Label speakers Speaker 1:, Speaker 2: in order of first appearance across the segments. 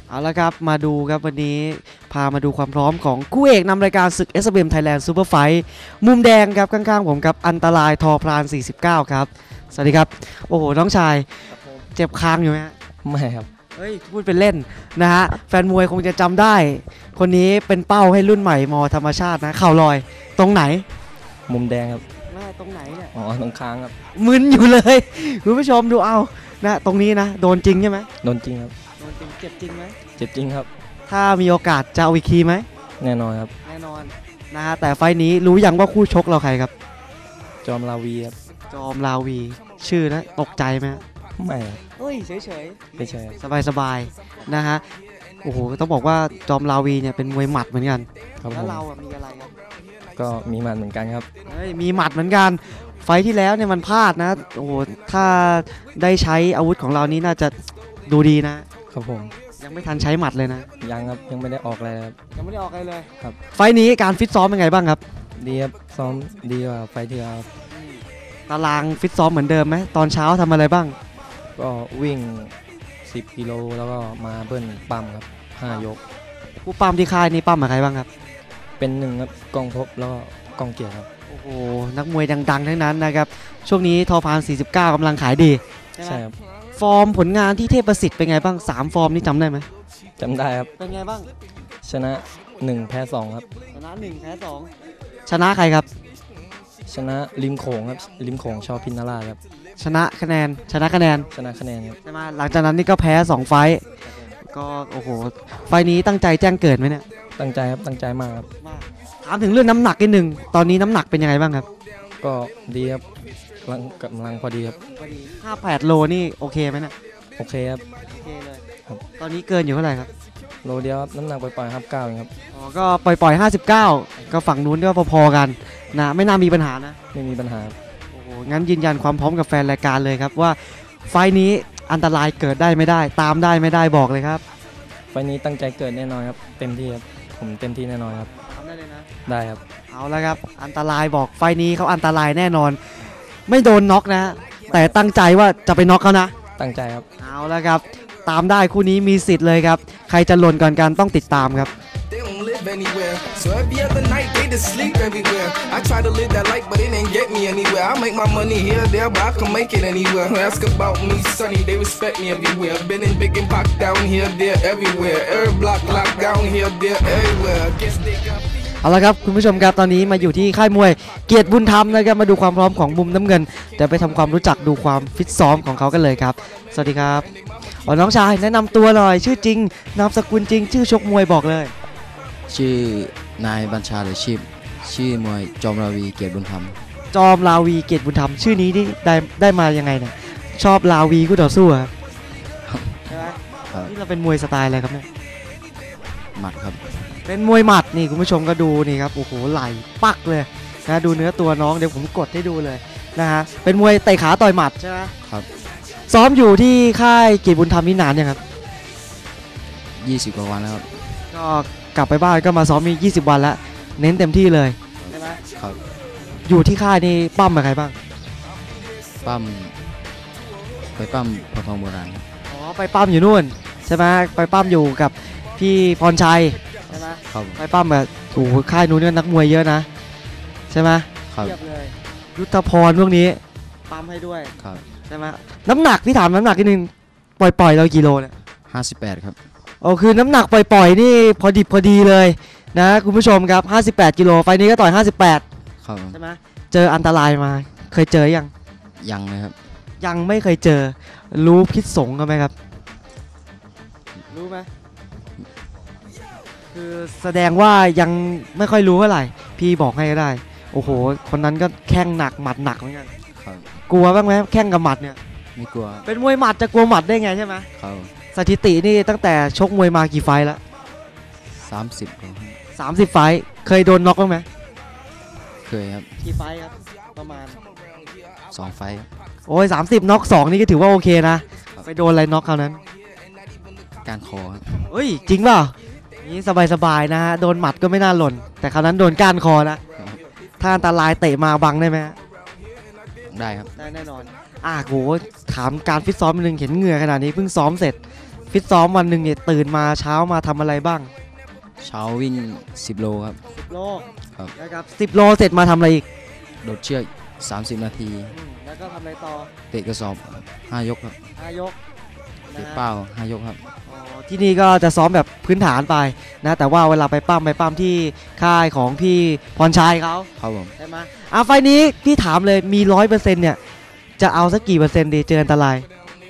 Speaker 1: เอาละครับมาดูครับวันนี้พามาดูความพร้อมของคู่เอกนำรายการศึก SBM Thailand Super Fight มุมแดงครับข้างๆผมครับอันตรายทอพราน49ครับสวัสดีครับโอ้โหน้องชายเจ็บคางอยู่ไหมฮะ
Speaker 2: ไม่ครับ
Speaker 1: เฮ้ยพูดเป็นเล่นนะฮะแฟนมวยคงจะจำได้คนนี้เป็นเป้าให้รุ่นใหม่มอธรรมชาตินะเข่าลอยตรงไหน
Speaker 2: มุมแดงครับ
Speaker 1: ตรงไหนเนี่ย
Speaker 2: อ๋อตรงค้างครับ
Speaker 1: มึนอยู่เลยคุณผู้ชมดูเอานะตรงนี้นะโดนจริงใช่ไหม
Speaker 2: โดนจริงครับ
Speaker 1: โดนจริงเจ็บจริงไหม
Speaker 2: เจ็บจริงครับ
Speaker 1: ถ้ามีโอกาสจะเอาอีกทีไหม
Speaker 2: แน่นอนครับ
Speaker 1: แน่นอนนะฮะแต่ไฟนี้รู้ยังว่าคู่ชกเราใครครับ
Speaker 2: จอมลาวีครับ
Speaker 1: จอมลาวีชื่อนะตกใจไหม
Speaker 2: ไม่
Speaker 1: เฮ้ยเฉย
Speaker 2: ไม่ใช่
Speaker 1: สบายนะฮะโอ้โหต้องบอกว่าจอมลาวีเนี่ยเป็นมวยหมัดเหมือนกันแล้วเรามีอะไรครับ
Speaker 2: ก็มีหมัดเหมือนกันครับ
Speaker 1: เฮ้ยมีหมัดเหมือนกันไฟที่แล้วเนี่ยมันพลาดนะโอ้โหถ้าได้ใช้อาวุธของเรานี่น่าจะดูดี
Speaker 2: นะครับผม
Speaker 1: ยังไม่ทันใช้หมัดเลยนะ
Speaker 2: ยังครับยังไม่ได้ออกเลยครับ
Speaker 1: ยังไม่ได้ออกเลย
Speaker 2: ครับ
Speaker 1: ไฟนี้การฟิตซ้อมเป็นไงบ้างครับ
Speaker 2: ดีครับซ้อมดีกว่าไฟที่แล้ว
Speaker 1: ตารางฟิตซ้อมเหมือนเดิมไหมตอนเช้าทำอะไรบ้าง
Speaker 2: ก็วิ่ง10 กิโลแล้วก็มาเบิ้ลปั๊มครับ5 ยก
Speaker 1: ผู้ปั๊มที่ค่ายนี่ปั๊มกับใครบ้างครับ
Speaker 2: เป็น1ครับกองพบแล้วก็กองเกียรติครับ
Speaker 1: โอ้โหนักมวยดังๆทั้งนั้นนะครับช่วงนี้ทอพาน49กำลังขายดี
Speaker 2: ใช่ครับ
Speaker 1: ฟอร์มผลงานที่เทพประสิทธิ์เป็นไงบ้าง3ฟอร์มนี่จำได้ไหม
Speaker 2: จำได้ครับ
Speaker 1: เป็นไงบ้าง
Speaker 2: ชนะ1แพ้2ครับ
Speaker 1: ชนะ1แพ้2ชนะใครครับ
Speaker 2: ชนะริมโขงครับริมโขงชอพินาราครับ
Speaker 1: ชนะคะแนน
Speaker 2: ชนะคะแนนครับ
Speaker 1: ใช่ไหมหลังจากนั้นนี่ก็แพ้2ไฟก็โอ้โหไฟนี้ตั้งใจแจ้งเกิดไหมเนี่ย
Speaker 2: ตั้งใจครับตั้งใจมากครับ
Speaker 1: ถามถึงเรื่องน้ำหนักนิดนึงตอนนี้น้ำหนักเป็นยังไงบ้างครับ
Speaker 2: ก็ดีครับกำลังพอดีครับ
Speaker 1: 58โลนี่โอเคไหมเนี่ย
Speaker 2: โอเคครับ
Speaker 1: โอเคเลยตอนนี้เกินอยู่เท่าไหร่ครับ
Speaker 2: โลเดียวน้ำหนักปล่อยๆ59ครับ
Speaker 1: อ๋อก็ปล่อย59ก็ฝั่งนู้นก็พอๆกันนะไม่น่ามีปัญหานะ
Speaker 2: ไม่มีปัญหา
Speaker 1: โอ้โหงั้นยืนยันความพร้อมกับแฟนรายการเลยครับว่าไฟนี้อันตรายเกิดได้ไม่ได้ตามได้ไม่ได้บอกเลยครับ
Speaker 2: ไฟนี้ตั้งใจเกิดแน่นอนครับเต็มที่ครับผมเต็มที่แน่นอนครับ
Speaker 1: ทำได้เลยนะ
Speaker 2: ได้ครับ
Speaker 1: เอาละครับอันตรายบอกไฟนี้เขาอันตรายแน่นอนไม่โดนน็อกนะแต่ตั้งใจว่าจะไปน็อกเขานะ
Speaker 2: ตั้งใจครับ
Speaker 1: เอาละครับตามได้คู่นี้มีสิทธิ์เลยครับใครจะหล่นก่อนกันต้องติดตามครับ
Speaker 3: anywhere. So every other night they just sleep everywhere. I try to live that life, but it ain't get me anywhere. I make my money here, there, but I can make it anywhere. Ask about me, Sonny, they respect me everywhere. Been in big and pop down here, there, everywhere. Every block locked down here, there, everywhere. Guess they got.
Speaker 1: เอาละครับคุณผู้ชมครับตอนนี้มาอยู่ที่ค่ายมวยเกียรติบุญธรรมนะครับมาดูความพร้อมของมุมน้ำเงินเดี๋ยวไปทำความรู้จักดูความฟิตซ้อมของเขากันเลยครับสวัสดีครับน้องชายแนะนำตัวหน่อยชื่อจริงนามสกุลจริงชื่อชกมวยบอกเลย
Speaker 4: ชื่อนายบัญชาหรือชื่อมวยจอมราวีเกียรติบุญธรรม
Speaker 1: จอมราวีเกียรติบุญธรรมชื่อนี้ได้มายังไงเนี่ยชอบราวีคู่ต่อสู้ครับใช่ไหมนี่เราเป็นมวยสไตล์อะไรครับเนี่ย
Speaker 4: หมัดครับ
Speaker 1: เป็นมวยหมัดนี่คุณผู้ชมก็ดูนี่ครับโอ้โหไหล่ปักเลยนะดูเนื้อตัวน้องเดี๋ยวผมกดให้ดูเลยนะฮะเป็นมวยเตะขาต่อยหมัดใช่ไหม
Speaker 4: ครับ
Speaker 1: ซ้อมอยู่ที่ค่ายเกียรติบุญธรรมนี่นานยังครับ
Speaker 4: 20 กว่าวันแล้วครับ
Speaker 1: ก็กลับไปบ้านก็มาซ้อมมี20 วันแล้วเน้นเต็มที่เลยใช่ไหม
Speaker 4: ครับ
Speaker 1: อยู่ที่ค่ายนี่ปั้มกับใครบ้าง
Speaker 4: ไปปั้มพอทองโบราณ
Speaker 1: อ๋อไปปั้มอยู่นู่นใช่ไหมไปปั้มอยู่กับพี่พรชัยใช่ไหม
Speaker 4: ครับ
Speaker 1: ไปปั้มแบบโอ้โหค่ายนู้นเนี่ยนักมวยเยอะนะใช่ไหม
Speaker 4: ครับ
Speaker 1: เทียบเลยยุทธพรพวกนี้ปั้มให้ด้วย
Speaker 4: ครับ
Speaker 1: ใช่ไหมน้ำหนักพี่ถามน้ำหนักนิดนึงปล่อยเรากี่โลเนี่ย
Speaker 4: 58ครับ
Speaker 1: โอ้คือน้ำหนักปล่อยนี่พอดิบพอดีเลยนะคุณผู้ชมครับ58 กิโลไฟนี้ก็ต่อย58
Speaker 4: ครับ
Speaker 1: ใช่ไหมเจออันตรายมาเคยเจอ
Speaker 4: ยังเลยครับ
Speaker 1: ยังไม่เคยเจอรู้พิษสงกันไหมครับรู้ไหมคือแสดงว่ายังไม่ค่อยรู้เท่าไหร่พี่บอกให้ก็ได้โอ้โหคนนั้นก็แข้งหนักหมัดหนักเหมือนกันกลัวบ้างไหมแข้งกับหมัดเนี่ย
Speaker 4: ไม่กลัว
Speaker 1: เป็นมวยหมัดจะกลัวหมัดได้ไงใช่ไหม
Speaker 4: ครับ
Speaker 1: สถิตินี่ตั้งแต่ชกมวยมากี่ไฟแล้ว30 ไฟเคยโดนน็อกบ้างไหม
Speaker 4: เคยครับ
Speaker 1: กี่ไฟครับประมาณ
Speaker 4: 2 ไฟ
Speaker 1: โอ้ย30น็อก2นี่ก็ถือว่าโอเคนะไปโดนอะไรน็อกคราวนั้น
Speaker 4: การคอครับ
Speaker 1: เฮ้ยจริงเปล่านี่สบายๆนะฮะโดนหมัดก็ไม่น่าหล่นแต่คราวนั้นโดนก้านคอนะถ้าอันตรายเตะมาบังได้ไหม
Speaker 4: ได้ครับ
Speaker 1: ได้แน่นอนโหถามการฟิตซ้อมนึงเห็นเหงื่อขนาดนี้เพิ่งซ้อมเสร็จฟิตซ้อมวันหนึ่งเนี่ยตื่นมาเช้ามาทำอะไรบ้าง
Speaker 4: เช้าวิ่ง 10 โลครับ
Speaker 1: 10 โล
Speaker 4: ครับ
Speaker 1: นะครับ10 โลเสร็จมาทำอะไรอีก
Speaker 4: โดดเชือก 30 นาที
Speaker 1: แล้วก็ทำอะไรต่อ
Speaker 4: เตะกระสอบ 5 ยกครับ
Speaker 1: 5 ยก
Speaker 4: เตะเป้า 5 ยกครับ
Speaker 1: ที่นี่ก็จะซ้อมแบบพื้นฐานไปนะแต่ว่าเวลาไปปั้มที่ค่ายของพี่พรชัยเขา
Speaker 4: ครับผม
Speaker 1: ใช่ไหมไฟล์นี้พี่ถามเลยมี 100%เนี่ยจะเอาสักกี่เปอร์เซ็นต์ดีเจออันตราย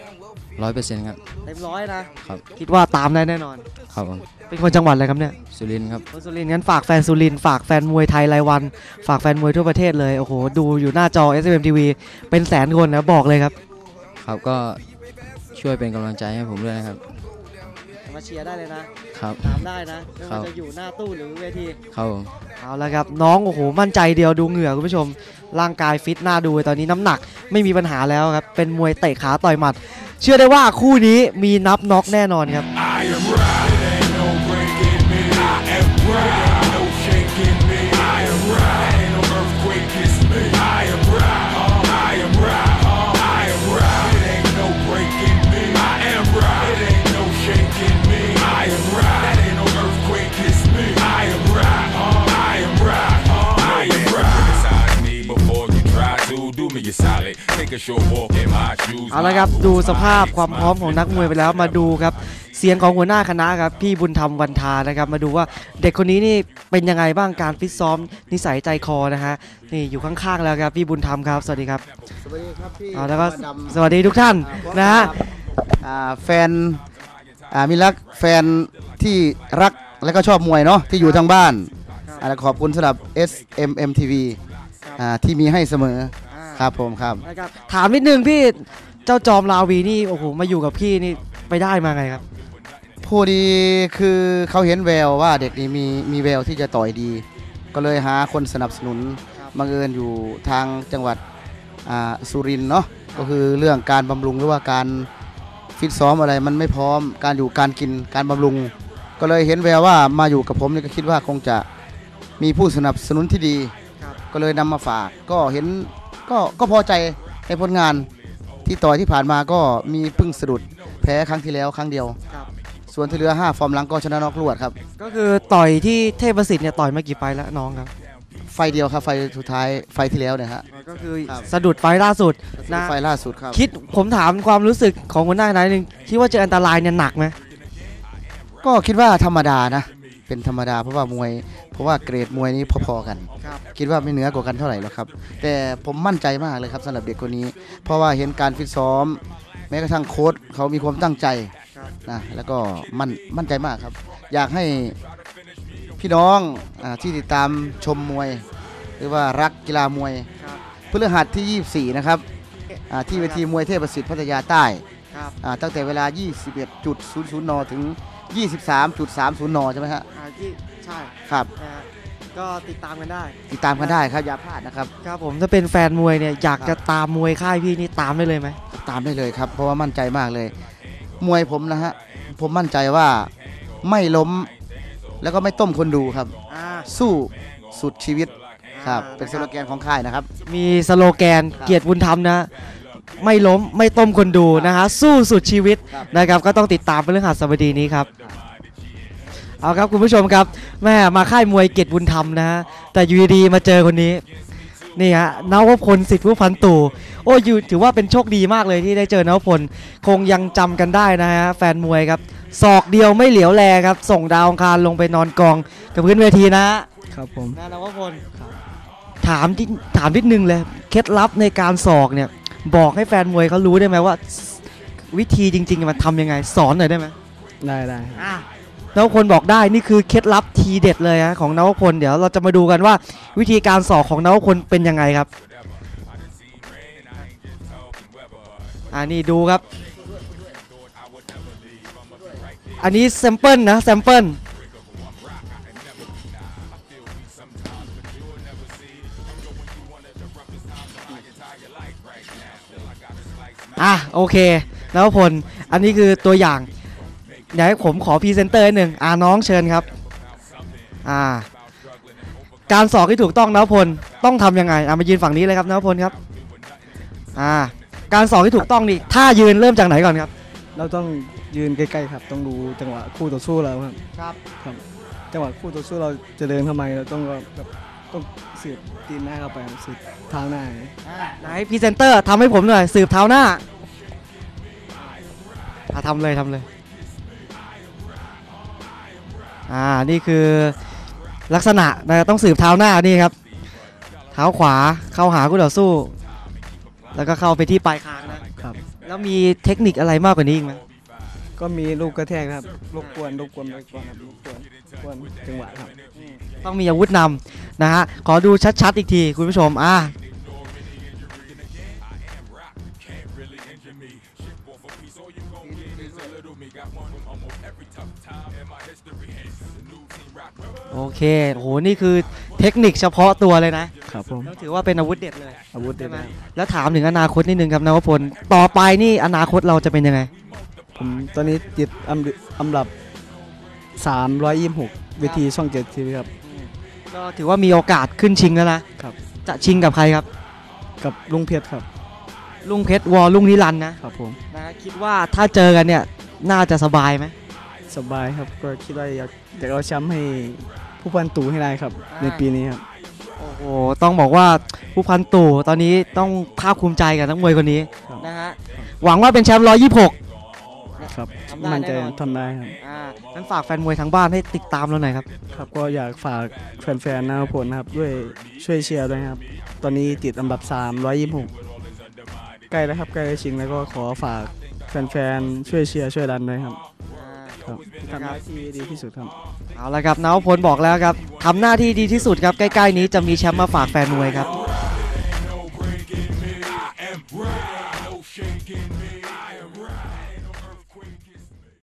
Speaker 4: 100%ครับ
Speaker 1: เต็มร้อยนะครับ คิดว่าตามได้แน่นอน
Speaker 4: ครับผม
Speaker 1: เป็นคนจังหวัดอะไรครับเนี่ย
Speaker 4: สุรินทร์ครับ
Speaker 1: คนสุรินทร์งั้นฝากแฟนสุรินทร์ฝากแฟนมวยไทยรายวัน ฝากแฟนมวยทั่วประเทศเลยโอ้โหดูอยู่หน้าจอ SMM TV เป็นแสนคนนะบอกเลยครับ
Speaker 4: ครับก็ช่วยเป็นกำลังใจให้ผมด้วยนะครับ
Speaker 1: มาเชียร์ได้เลยนะครับ ถามได้นะไม่
Speaker 4: ครั
Speaker 1: ว่า
Speaker 4: บ
Speaker 1: จะอยู่หน้าตู้หรือเวที
Speaker 4: ครับผม
Speaker 1: เอาละครับน้องโอ้โหมั่นใจเดียวดูเหงื่อคุณผู้ชมร่างกายฟิตหน้าดูตอนนี้น้ำหนักไม่มีปัญหาแล้วครับเป็นมวยเตะขาต่อยหมัด เชื่อได้ว่าคู่นี้มีนับน็อกแน่นอนครับ
Speaker 5: I am right, it ain't no breaking me. I am right, it ain't no shaking me. I am right, ain't no earthquake is me. I am right, I am right, I am right, it ain't no breaking me. I am right, it ain't no shaking me. I am right, ain't no earthquake is me. I am right, I am right, I am right. Criticize me before you try to do me a solid. Take a short walk in my shoes.
Speaker 1: เอาละครับดูสภาพความพร้อมของนักมวยไปแล้วมาดูครับเสียงของหัวหน้าคณะครับพี่บุญธรรมวันทานะครับมาดูว่าเด็กคนนี้นี่เป็นยังไงบ้างการฟิตซ้อมนิสัยใจคอนะฮะนี่อยู่ข้างๆแล้วครับพี่บุญธรรมครับสวัสดีครับ
Speaker 6: สวัสดีครับพี่
Speaker 1: เอาแล้วก็
Speaker 6: ดำ
Speaker 1: สวัสดีทุกท่านนะฮะ
Speaker 6: แฟนมิรักแฟนที่รักและก็ชอบมวยเนาะที่อยู่ทางบ้านขอบคุณสำหรับ SMM TV ที่มีให้เสมอครับผมครับ
Speaker 1: นะครับถามนิดนึงพี่เจ้าจอมลาวีนี่โอ้โหมาอยู่กับพี่นี่ไปได้มาไงครับ
Speaker 6: ผู้ดีคือเขาเห็นแววว่าเด็กนี้มีแววที่จะต่อยดี ก็เลยหาคนสนับสนุนบังเอิญอยู่ทางจังหวัดสุรินทร์เนาะก็คือเรื่องการบำรุงหรือว่าการฟิตซ้อมอะไรมันไม่พร้อมการอยู่การกินการบำรุง ก็เลยเห็นแววว่ามาอยู่กับผมนี่ก็คิดว่าคงจะมีผู้สนับสนุนที่ดี ก็เลยนำมาฝากก็เห็นก็พอใจในผลงานที่ต่อยที่ผ่านมาก็มีพึ่งสะดุดแพ้ครั้งที่แล้วครั้งเดียว ส่วนที่เหลือ5ฟอร์มหลังก็ชนะน็อกรวดครับ
Speaker 1: ก็คือต่อยที่เทพประสิทธิ์เนี่ยต่อยมากี่ไฟล์แล้วน้องครับ
Speaker 6: ไฟเดียวครับไฟสุดท้ายไฟที่แล้วเนี่ยฮะ
Speaker 1: ก็คือ
Speaker 6: ครับ
Speaker 1: สะดุดไฟล์ล่าสุดนะ
Speaker 6: ไฟล่าสุดครับ
Speaker 1: คิดผมถามความรู้สึกของหัวหน้าคณะนิดนึงคิดว่าเจออันตรายเนี่ยหนักไหม
Speaker 6: ก็คิดว่าธรรมดานะเป็นธรรมดาเพราะว่าเกรดมวยนี้พอๆกัน คิดว่าไม่เหนือกว่ากันเท่าไหร่หรอกครับแต่ผมมั่นใจมากเลยครับสำหรับเด็กคนนี้ เพราะว่าเห็นการฟิตซ้อม แม้กระทั่งโค้ชเขามีความตั้งใจนะแล้วก็มั่นใจมากครับ อยากให้พี่น้องที่ติดตามชมมวย หรือว่ารักกีฬามวยพฤหัสที่ 24 นะครับที่เวทีมวยเทพประสิทธิ์พัทยาใต้ตั้งแต่เวลา 21.00 นถึง 23.30 นใช่ไหมฮะ
Speaker 1: ใช่
Speaker 6: ครับ
Speaker 1: นะฮะก็ติดตามกันได้
Speaker 6: ติดตามกันได้ครับอย่าพลาดนะครับ
Speaker 1: ครับผมถ้าเป็นแฟนมวยเนี่ยอยากจะตามมวยค่ายพี่นี่ตามได้เลยไหม
Speaker 6: ตามได้เลยครับเพราะว่ามั่นใจมากเลย มวยผมนะฮะผมมั่นใจว่าไม่ล้มแล้วก็ไม่ต้มคนดูครับ สู้สุดชีวิตครับเป็นสโลแกนของค่ายนะครับ
Speaker 1: มีสโลแกนเกียรติบุญธรรมนะไม่ล้มไม่ต้มคนดูนะฮะสู้สุดชีวิตนะครับก็ต้องติดตามเป็นเรื่องหัสบดีนี้ครับเอาครับคุณผู้ชมครับแม่มาค่ายมวยเกียรติบุญธรรมนะฮะแต่อยู่ดีๆมาเจอคนนี้นี่ฮะนวพลสิทธิผู้พันตู่โอ้ยถือว่าเป็นโชคดีมากเลยที่ได้เจอนวพลคงยังจำกันได้นะฮะแฟนมวยครับศอกเดียวไม่เหลียวแลครับส่งดาวอังคารลงไปนอนกองกับพื้นเวทีนะครับ
Speaker 2: ผม
Speaker 1: นวพลถามนิดนึงเลยเคล็ดลับในการศอกเนี่ยบอกให้แฟนมวยเขารู้ได้ไหมว่าวิธีจริงๆมันทำยังไงสอนหน่อยได้ไหม
Speaker 2: ได้
Speaker 1: นวพลบอกได้นี่คือเคล็ดลับทีเด็ดเลยฮะของนวพลเดี๋ยวเราจะมาดูกันว่าวิธีการศอกของนวพลเป็นยังไงครับนี่ดูครับอันนี้แซมเปิลนะแซมเปิลโอเคนวพลอันนี้คือตัวอย่างเดี๋ยวผมขอพรีเซนเตอร์หนึ่งน้องเชิญครับการสอกที่ถูกต้องนวพลต้องทำยังไงมายืนฝั่งนี้เลยครับนวพลครับการสอกที่ถูกต้องนี่ท่ายืนเริ่มจากไหนก่อนครับ
Speaker 2: เราต้อง
Speaker 7: ยืนใกล้ๆครับต้องดูจังหวะคู่ต่อสู้เราครับ
Speaker 1: ครับ
Speaker 7: ครับจังหวะคู่ต่อสู้เราจะเดินเข้ามาเราต้องแบบต้องสืบตีนหน้าเข้าไปครับสืบเท้าหน้าอย่างนี้
Speaker 1: ไหนพรีเซนเตอร์ทำให้ผมหน่อยสืบเท้าหน้าทำเลยนี่คือลักษณะนะต้องสืบเท้าหน้านี่ครับเท้าขวาเข้าหาคู่ต่อสู้ แล้วก็เข้าไปที่ปลายคางนะครับ แล้วมีเทคนิคอะไรมากกว่านี้อีกไหม
Speaker 7: ก็มีลูกกระแทกครับรบกวนไปก่อนครับรบกวนจังหวะครับ
Speaker 1: ต้องมีอาวุธนำนะฮะขอดูชัดๆอีกทีคุณผู้ชมโอเคโหนี่คือเทคนิคเฉพาะตัวเลยนะครับ
Speaker 7: ผม
Speaker 1: ต้องถือว่าเป็นอาวุธเด็ดเลย
Speaker 7: อาวุธเด็
Speaker 1: ใช่
Speaker 7: ด
Speaker 1: ไหม
Speaker 7: นะ
Speaker 1: แล้วถามถึงอนาคตนิดนึงครับนวพลต่อไปนี่อนาคตเราจะเป็นยังไง
Speaker 7: ผมตอนนี้ติดอันดับ326เวทีช่อง7 ทีวีครับ
Speaker 1: ก็ถือว่ามีโอกาสขึ้นชิงแล้วนะครับ จะชิงกับใครครับ
Speaker 7: กับลุงเพชรครับ
Speaker 1: ลุงเพชรวอลลุงนิรันดร์นะครับ
Speaker 7: ผม
Speaker 1: นะคิดว่าถ้าเจอกันเนี่ยน่าจะสบายไหม
Speaker 7: สบายครับก็คิดว่าอยากเอาแชมป์ให้ผู้พันตู่ให้ได้ครับในปีนี้ครับ
Speaker 1: โอ้โหต้องบอกว่าผู้พันตู่ตอนนี้ต้องภาคภูมิใจกับนักมวยคนนี้
Speaker 7: ครับ
Speaker 1: นะฮะหวังว่าเป็นแชมป์126
Speaker 7: ครับ
Speaker 1: ทำได้
Speaker 7: มั่นใจ
Speaker 1: แน่นอน
Speaker 7: ทำได้ครับ
Speaker 1: งั้นฝากแฟนมวยทางบ้านให้ติดตามเราหน่อยครับ
Speaker 7: ครับก็อยากฝากแฟนๆนะครับผลนะครับด้วยช่วยเชียร์ด้วยครับตอนนี้ติดอันดับ326ใกล้แล้วครับใกล้จะชิงแล้วก็ขอฝากแฟนๆช่วยเชียร์ช่วยดันด้วยครับครับทำหน้าที่ดีที่สุดครับ
Speaker 1: เอาละครับนวพลบอกแล้วครับทำหน้าที่ดีที่สุดครับใกล้ๆนี้จะมีแชมป์มาฝากแฟนมวยครับ